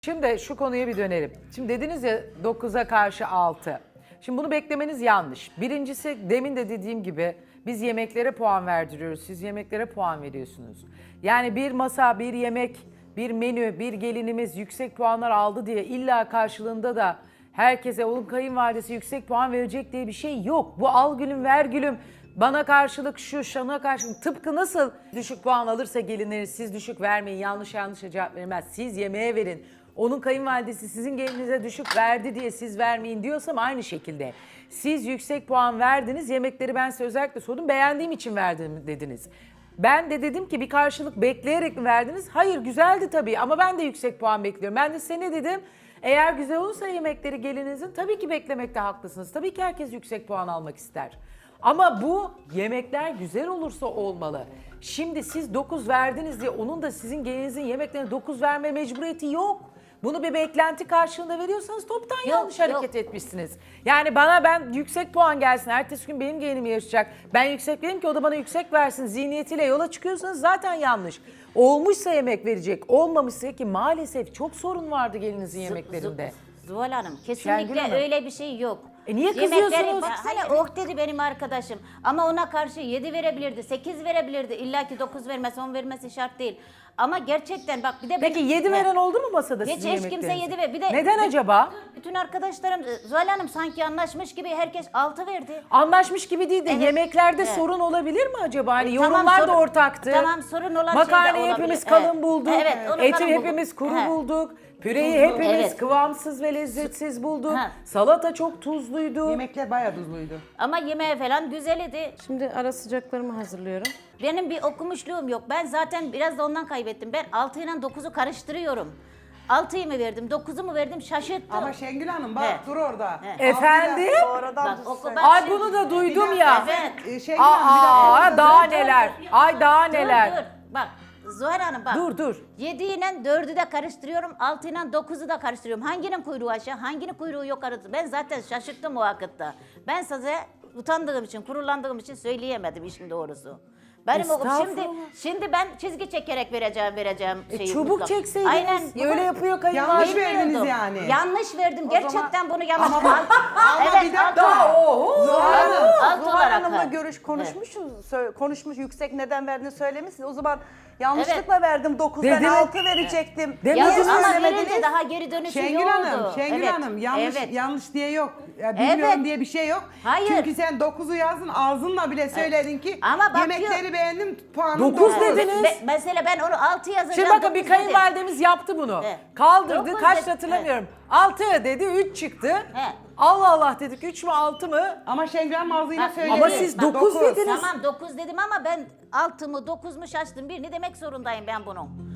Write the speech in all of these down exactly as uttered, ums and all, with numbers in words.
Şimdi şu konuya bir dönelim. Şimdi dediniz ya dokuza karşı altı. Şimdi bunu beklemeniz yanlış. Birincisi demin de dediğim gibi biz yemeklere puan verdiriyoruz. Siz yemeklere puan veriyorsunuz. Yani bir masa, bir yemek, bir menü, bir gelinimiz yüksek puanlar aldı diye illa karşılığında da herkese onun kayınvalidesi yüksek puan verecek diye bir şey yok. Bu al gülüm ver gülüm. Bana karşılık şu, şana karşılık. Tıpkı nasıl düşük puan alırsa gelinleri siz düşük vermeyin, yanlış yanlış cevap vermez. Siz yemeğe verin. Onun kayınvalidesi sizin gelinize düşük verdi diye siz vermeyin diyorsam aynı şekilde. Siz yüksek puan verdiniz, yemekleri ben size özellikle sordum, beğendiğim için verdim dediniz. Ben de dedim ki bir karşılık bekleyerek mi verdiniz? Hayır, güzeldi tabii ama ben de yüksek puan bekliyorum. Ben de size ne dedim? Eğer güzel olursa yemekleri gelinizin tabii ki beklemekte haklısınız. Tabii ki herkes yüksek puan almak ister. Ama bu yemekler güzel olursa olmalı. Şimdi siz dokuz verdiniz diye onun da sizin gelinizin yemeklerine dokuz verme mecburiyeti yok. Bunu bir beklenti karşılığında veriyorsanız toptan Yok, yanlış yok. hareket etmişsiniz. Yani bana ben yüksek puan gelsin, ertesi gün benim gelinim yarışacak. Ben yüksek vereyim ki o da bana yüksek versin zihniyetiyle yola çıkıyorsanız zaten yanlış. Olmuşsa yemek verecek, olmamışsa ki maalesef çok sorun vardı gelinizin yemeklerinde. Zuhal Hanım Şengül kesinlikle Hanım. öyle bir şey yok. E niye Yemekleri- kızıyorsunuz? Baksana oh dedi benim arkadaşım. Ama ona karşı yedi verebilirdi, sekiz verebilirdi. İlla ki dokuz vermesi, on vermesi şart değil. Ama gerçekten bak bir de... Peki benim- yedi veren oldu mu masada Hiç sizin hiç kimse yemeklerinize? yedi ver. Bir de Neden bir- acaba? Bütün arkadaşlarım Zuhal Hanım sanki anlaşmış gibi herkes altı verdi. Anlaşmış gibi değil de Evet, yemeklerde evet. sorun olabilir mi acaba? Hani E, tamam, yorumlar da sorun- ortaktı. tamam, sorun olan şey de Makarnayı olabilir. hepimiz Evet. kalın bulduk. Evet, onu Eti kalın bulduk. hepimiz kuru He. bulduk. Püreyi hepimiz Evet. kıvamsız ve lezzetsiz bulduk. Ha. Salata çok tuzluydu. Yemekler bayağı tuzluydu. Ama yemeği falan güzel idi. Şimdi ara sıcaklarımı hazırlıyorum. Benim bir okumuşluğum yok. Ben zaten biraz da ondan kaybettim. Ben altı ile dokuzu karıştırıyorum. altıyı mı verdim, dokuzu mu verdim şaşırttım. Ama Şengül Hanım bak He. dur orada. He. Efendim? Sonradan Bak, düz oku söyle. bak. Ay şimdi- bunu da duydum Bir ya. Evet. dakika, e, Şengül Hanım bir Aa, dakika. daha dur, dur, neler. dur. Ay daha Dur, neler. dur. Bak Zuhal Hanım bak. Dur, dur. yedi ile dördü de karıştırıyorum, altı ile dokuzu da karıştırıyorum. Hanginin kuyruğu aşağı, hanginin kuyruğu yukarı? Ben zaten şaşırttım o vakitte. Ben size utandığım için, kurulandığım için söyleyemedim işin doğrusu. Benim okum şimdi Estağfurullah. şimdi ben çizgi çekerek vereceğim vereceğim E, şeyi. çubuk mutlaka. çekseydiniz. Aynen. Öyle yapıyor Yanlış kayınvalide. verdiniz Bilmiyordum. yani. Yanlış verdim. Gerçekten bunu yanlış. Ama bak- ama evet, bir dakika. alt- Daha oho. Zuhal Hanım. alt Zuhal olarak. Hanım'la ha. görüş konuşmuşuz, sö- konuşmuş yüksek neden verdiğini söylemişsiniz. O zaman yanlışlıkla Evet. verdim dokuz, Dedi ben mi? altı verecektim. Demediniz Ya, Siz ama söylemediniz. verince daha geri dönüşü Şengül yoktu. Hanım, Şengül Evet, Hanım yanlış evet. yanlış diye yok. Ya, bilmiyorum Evet. diye bir şey yok. Hayır. Çünkü sen dokuzu yazdın ağzınla bile söyledin ki Ama bakıyor- yemekleri beğendim puanım Dokuz dokuz. dediniz. Be- mesela ben onu altı yazacağım. Şimdi bakın bir dokuz dedim. kayınvalidemiz yaptı bunu. He. Kaldırdı, Dokuz kaç dedi. hatırlamıyorum. altı dedi, üç çıktı. He. Allah Allah dedik, üç mü altı mı? Ama Şengül Hanım ağzıyla Bak, söyledi. Ama siz Bak, dokuz dokuz. dediniz. Tamam dokuz dedim ama ben altı mı dokuz mu şaştım. Birini demek zorundayım ben bunun.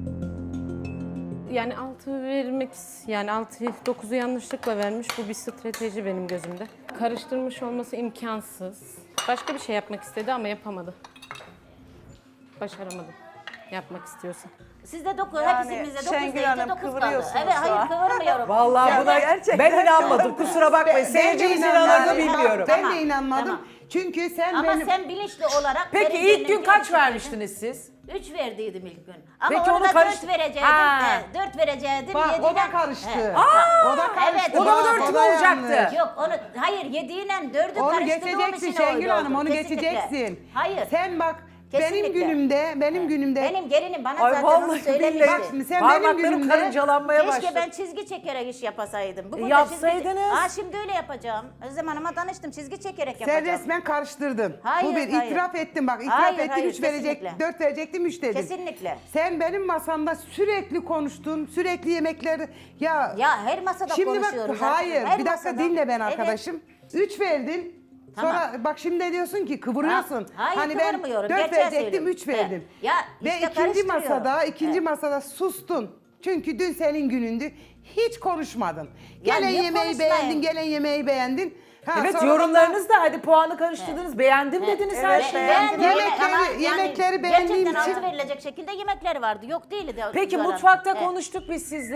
Yani altı vermek, yani altı dokuzu yanlışlıkla vermiş. Bu bir strateji benim gözümde. Karıştırmış olması imkansız. Başka bir şey yapmak istedi ama yapamadı. Başaramadı. Yapmak istiyorsa. Sizde dokuz, Yani hepsimizde dokuz Şengül deyince Hanım dokuz kaldı. kıvırıyorsunuz Evet, şu hayır an. kıvırmıyorum. Vallahi Ya buna gerçekten ben inanmadım. Kusura bakmayın. Ben- ben de Seyircimiz inanmadım. inanmadı Ben- bilmiyorum. Ben Tamam, de inanmadım. tamam. Çünkü sen Ama benim... sen bilinçli olarak... Peki vereceğini ilk gün bilinçli kaç vermiştiniz siz? Üç verdiydim ilk gün. Ama Peki Peki onu onu karış- dört verecektim. Ha. He, dört verecektim. Bak o yediyle- da karıştı. He. O da karıştı. Evet, O da o da dört mü da olacaktı? yanlış. Yok onu hayır yediyle dördü Onu karıştırdığım geçeceksin için öyle Şengül Hanım, oldu. onu Kesinlikle. geçeceksin. Hayır. Sen bak benim Kesinlikle. günümde, benim günümde... Benim gelinim bana Ay zaten onu vallahi söylemişti. billahi. Bak şimdi sen benim Parmaklarım günümde... karıncalanmaya Keşke başladı. ben çizgi çekerek iş yapasaydım. Bugün de Yapsaydınız. Çizgi... Aa şimdi öyle yapacağım. Özlem Hanım'a tanıştım çizgi çekerek Sen yapacağım. resmen karıştırdın. Hayır, Bu bir hayır. itiraf ettim bak. itiraf Hayır, ettim hayır, üç verecek, kesinlikle. dört verecektim üç dedin. Kesinlikle. Sen benim masamda sürekli konuştun, sürekli yemekleri... Ya, Ya her masada şimdi bak konuşuyoruz. hayır Her bir dakika masada. dinle ben Evet. arkadaşım. üç verdin. Tamam. Sonra bak şimdi diyorsun ki kıvırıyorsun. Ha, hayır, hani ben kıvırmıyorum. dört Gerçeği verecektim söylüyorum. üç verdim. Evet. Ya Ve işte ikinci karıştırıyorum. masada, ikinci Evet. masada sustun. Çünkü dün senin günündü. Hiç konuşmadın. Ya Gelen niye yemeği konuşmayayım? beğendin, gelen yemeği beğendin. Ha, Evet sonra yorumlarınız da hadi puanı karıştırdınız. Beğendim dediniz her Evet, şeyi. beğendim. Yemekleri- yemekleri beğendiğim gerçekten için- altı verilecek şekilde yemekler vardı. Yok değildi. Peki Zuhal Hanım. mutfakta Evet. konuştuk biz sizle.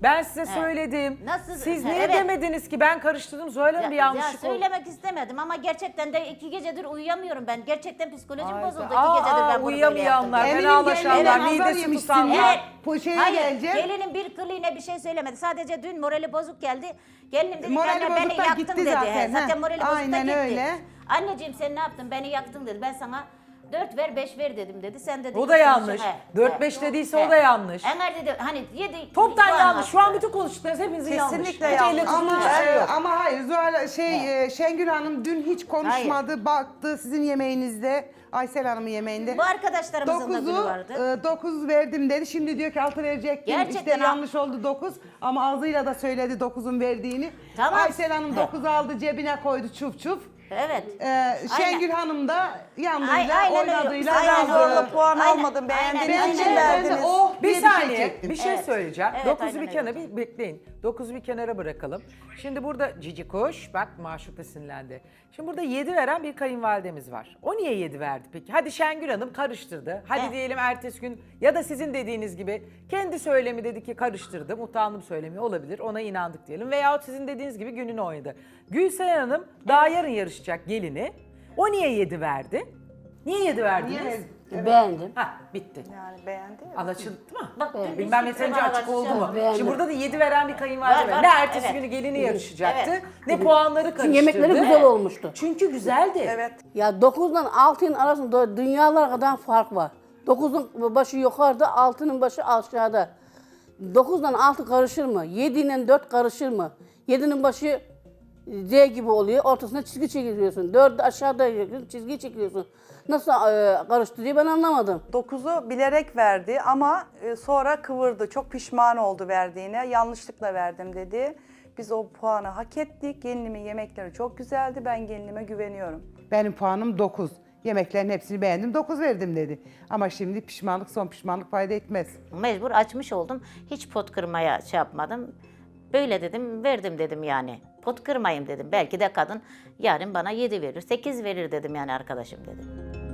Ben size söyledim. Nasıl- Siz Ha, niye evet. demediniz ki ben karıştırdım Zuhal Hanım bir Ya, ya yanlışlık oldu. söylemek istemedim ama gerçekten de iki gecedir uyuyamıyorum ben. Gerçekten psikolojim Hayda. bozuldu. Aa, iki gecedir aa, ben bunu böyle uyuyamayanlar, yaptım. Eminim fenalaşanlar, gelinin nazar midesi yemişsin tutanlar. ya. Evet. Bu şeye Hayır, geleceğim. gelinin bir kılığına bir şey söylemedi. Sadece dün morali bozuk geldi. Gelinim dedi ki Morali anne beni bozuk da yaktın gitti dedi. zaten, He, zaten he. morali bozuk da Aynen gitti. öyle. Anneciğim sen ne yaptın? Beni yaktın dedi. Ben sana dört ver beş ver dedim dedi. Sen dedi. O da "Yoksa yanlış. he, Dört he, beş dediyse he." o da yanlış. Ömer dedi hani yedi. Toptan puan yanlış. Şu an attı. bütün konuştuklarınız hepinizin yanlış. Kesinlikle Hiç yanlış. elle tutulur Ama bir şey e, yok. ama hayır Zuhal şey e, Şengül Hanım dün hiç konuşmadı, baktı sizin yemeğinizde, Aysel Hanım'ın yemeğinde. Bu arkadaşlarımızın da günü Dokuzu, vardı. e, dokuz verdim dedi. Şimdi diyor ki altı verecektim. Gerçekten İşte ha- yanlış oldu dokuz. Ama ağzıyla da söyledi dokuzun verdiğini. Tamam. Aysel Hanım He. dokuz aldı cebine koydu çuf çuf. Evet. Ee, Şengül Hanım da yandığıyla, Ay- aynen öyle. oynadığıyla Aynen Sen yazdı. zorla puan Aynen, almadın. aynen. Beğendiğiniz Ben için de- verdiniz. Oh Bir diye bir şey saniye çektim. bir şey Evet. söyleyeceğim. Evet, Dokuzu aynen bir öyle. kenara bir bekleyin. Dokuzu bir kenara bırakalım. Şimdi burada Cici Kuş, bak Maşuk da sinirlendi. Şimdi burada yedi veren bir kayınvalidemiz var. O niye yedi verdi peki? Hadi Şengül Hanım karıştırdı. Hadi Evet. diyelim ertesi gün ya da sizin dediğiniz gibi kendi söylemi dedi ki karıştırdım. Utandım söylemi olabilir. Ona inandık diyelim. Veyahut sizin dediğiniz gibi gününü oynadı. Gülseren Hanım daha yarın yarışacak gelini. O niye yedi verdi? Niye yedi verdiniz? Beğendim. Ha bitti. Yani beğendi. Anlaşıldı mı? Bak, dün Bilmem biz yeterince bir açık oldu mu? Beğendim. Şimdi burada da yedi veren bir kayınvalide Var, var. var. Ne ertesi Evet. günü gelini yarışacaktı, Evet. ne puanları karıştırdı. Çünkü yemekleri güzel olmuştu. Çünkü güzeldi. Evet. Ya dokuzdan altının arasında dünyalar kadar fark var. dokuzun başı yukarıda, altının başı aşağıda. dokuzdan altı karışır mı? yedi ile dört karışır mı? yedinin başı Z gibi oluyor. Ortasına çizgi çekiyorsun. dördü aşağıda çizgi çekiyorsun. Nasıl e, karıştı diye ben anlamadım. dokuzu bilerek verdi ama e, sonra kıvırdı. Çok pişman oldu verdiğine. Yanlışlıkla verdim dedi. Biz o puanı hak ettik. Gelinimin yemekleri çok güzeldi. Ben gelinime güveniyorum. Benim puanım dokuz. Yemeklerin hepsini beğendim, dokuz verdim dedi. Ama şimdi pişmanlık son pişmanlık fayda etmez. Mecbur açmış oldum. Hiç pot kırmaya şey yapmadım. Böyle dedim, verdim dedim yani. Pot kırmayayım dedim. Belki de kadın yarın bana yedi verir, sekiz verir dedim yani arkadaşım dedim.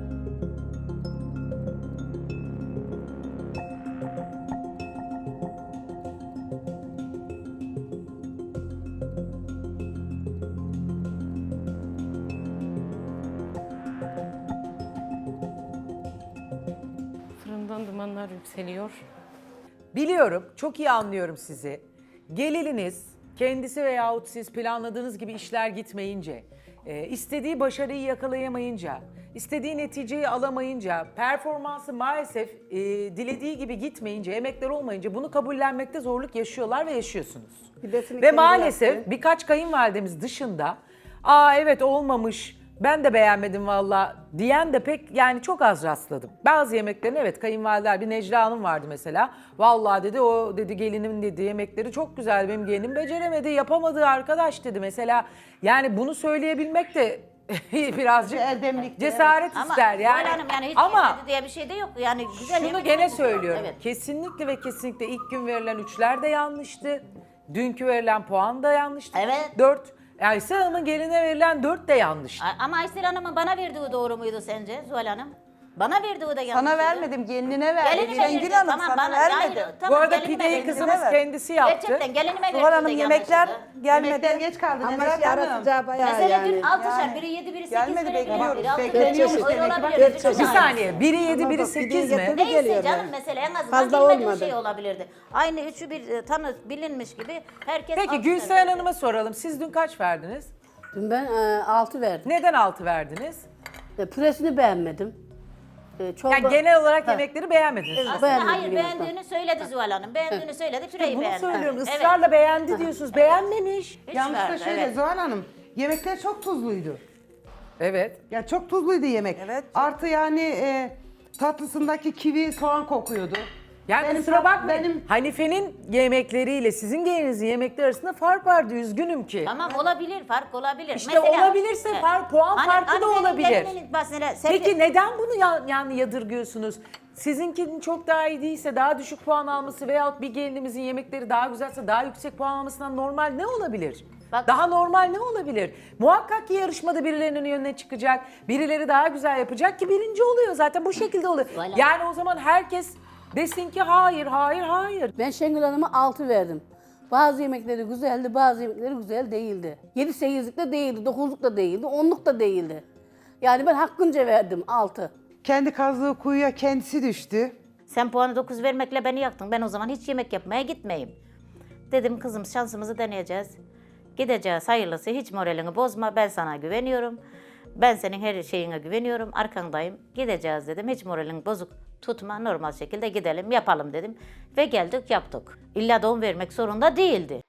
Fırından dumanlar yükseliyor. Biliyorum, çok iyi anlıyorum sizi. Gelininiz, kendisi veyahut siz planladığınız gibi işler gitmeyince, e, istediği başarıyı yakalayamayınca, istediği neticeyi alamayınca, performansı maalesef e, dilediği gibi gitmeyince, emekler olmayınca bunu kabullenmekte zorluk yaşıyorlar ve yaşıyorsunuz. Ve maalesef birkaç kayınvalidemiz dışında, aa evet olmamış, ben de beğenmedim valla diyen de pek yani çok az rastladım. Bazı yemeklerin evet kayınvalideler, bir Necla Hanım vardı mesela. Vallahi dedi o dedi gelinimin dedi yemekleri çok güzel, benim gelinim beceremedi, yapamadı arkadaş dedi mesela. Yani bunu söyleyebilmek de birazcık Erdemlik. cesaret Ama ister yani. Zuhal Hanım yani hiç Ama yemedi diye bir şey de yok. Yani güzel şunu yemek gene yemek- söylüyorum. Evet. Kesinlikle ve kesinlikle ilk gün verilen üçler de yanlıştı. Dünkü verilen puan da yanlıştı. Evet. Dört. Aysel Hanım'ın geline verilen dört de yanlıştı. A- Ama Aysel Hanım'ın bana verdiği doğru muydu sence Zuhal Hanım? Bana verdiği de yanlış. Sana vermedim, gelinine verdi. Gelinime Şengül verdi. Hanım Tamam, sana bana- vermedi. hayır, tamam, Bu arada gelinime pideyi verdi. kızımız ver. kendisi yaptı. Gerçekten gelinime Zuhal verdiği Hanım de yemekler yanlıştı. gelmedi. Yemekler geç kaldı Ama Nezahat ara Hanım. sıcağı bayağı Mesela yani. dün altışar, Yani. biri yedi, biri sekiz Gelmedi, verebilir. bekliyoruz. Biri altı Bekleniyoruz verebilir. Öyle demek ki. olabilir. Geçecek. Bir saniye. Biri yedi, biri Ama sekiz pideyi mi? getirdi. Neyse geliyor canım yani. mesela en azından Fazla bilmediğim olmadı. şey olabilirdi. Aynı üçü bir e, tanı bilinmiş gibi herkes Peki altı Gülseren verirdi. Hanım'a soralım. Siz dün kaç verdiniz? Dün ben e, altı verdim. Neden altı verdiniz? E, püresini beğenmedim. E, çorba... Yani genel olarak Ha. yemekleri beğenmediniz. Evet. Aslında Beğenmedim hayır yemekten. beğendiğini söyledi Zuhal Hanım. Beğendiğini söyledi, püreyi Bunu beğendi. söylüyorum. Evet. Israrla beğendi diyorsunuz. Beğenmemiş. Hiç Yanlış da verdi, şöyle evet. Zuhal Hanım. Yemekler çok tuzluydu. Evet. Ya çok tuzluydu yemek. Evet. Artı yani e, tatlısındaki kivi soğan kokuyordu. Yani Benim kusura tat- bakmayın. benim- Hanife'nin yemekleriyle sizin gelinizin yemekleri arasında fark vardı. Üzgünüm ki. Tamam olabilir, fark olabilir. İşte olabilirse fark- puan farkı da olabilir. gelinin mesela sen- Peki neden bunu ya- yani yadırgıyorsunuz? Sizinkinin çok daha iyi değilse, daha düşük puan alması veyahut bir gelinimizin yemekleri daha güzelse daha yüksek puan almasından normal ne olabilir? Bak- Daha normal ne olabilir? Muhakkak ki yarışmada birilerinin önüne çıkacak, birileri daha güzel yapacak ki birinci oluyor zaten bu şekilde oluyor. Voilà. Yani o zaman herkes desin ki hayır, hayır, hayır. Ben Şengül Hanım'a altı verdim. Bazı yemekleri güzeldi, bazı yemekleri güzel değildi. yedi sekizlik de değildi, dokuzluk da değildi, onluk da değildi. Yani ben hakkınca verdim altı. Kendi kazdığı kuyuya kendisi düştü. Sen puanı dokuz vermekle beni yaktın. Ben o zaman hiç yemek yapmaya gitmeyeyim. Dedim kızım şansımızı deneyeceğiz. Gideceğiz hayırlısı, hiç moralini bozma, ben sana güveniyorum. Ben senin her şeyine güveniyorum, arkandayım. Gideceğiz dedim, hiç moralin bozuk tutma, normal şekilde gidelim, yapalım dedim. Ve geldik yaptık. İlla da on vermek zorunda değildi.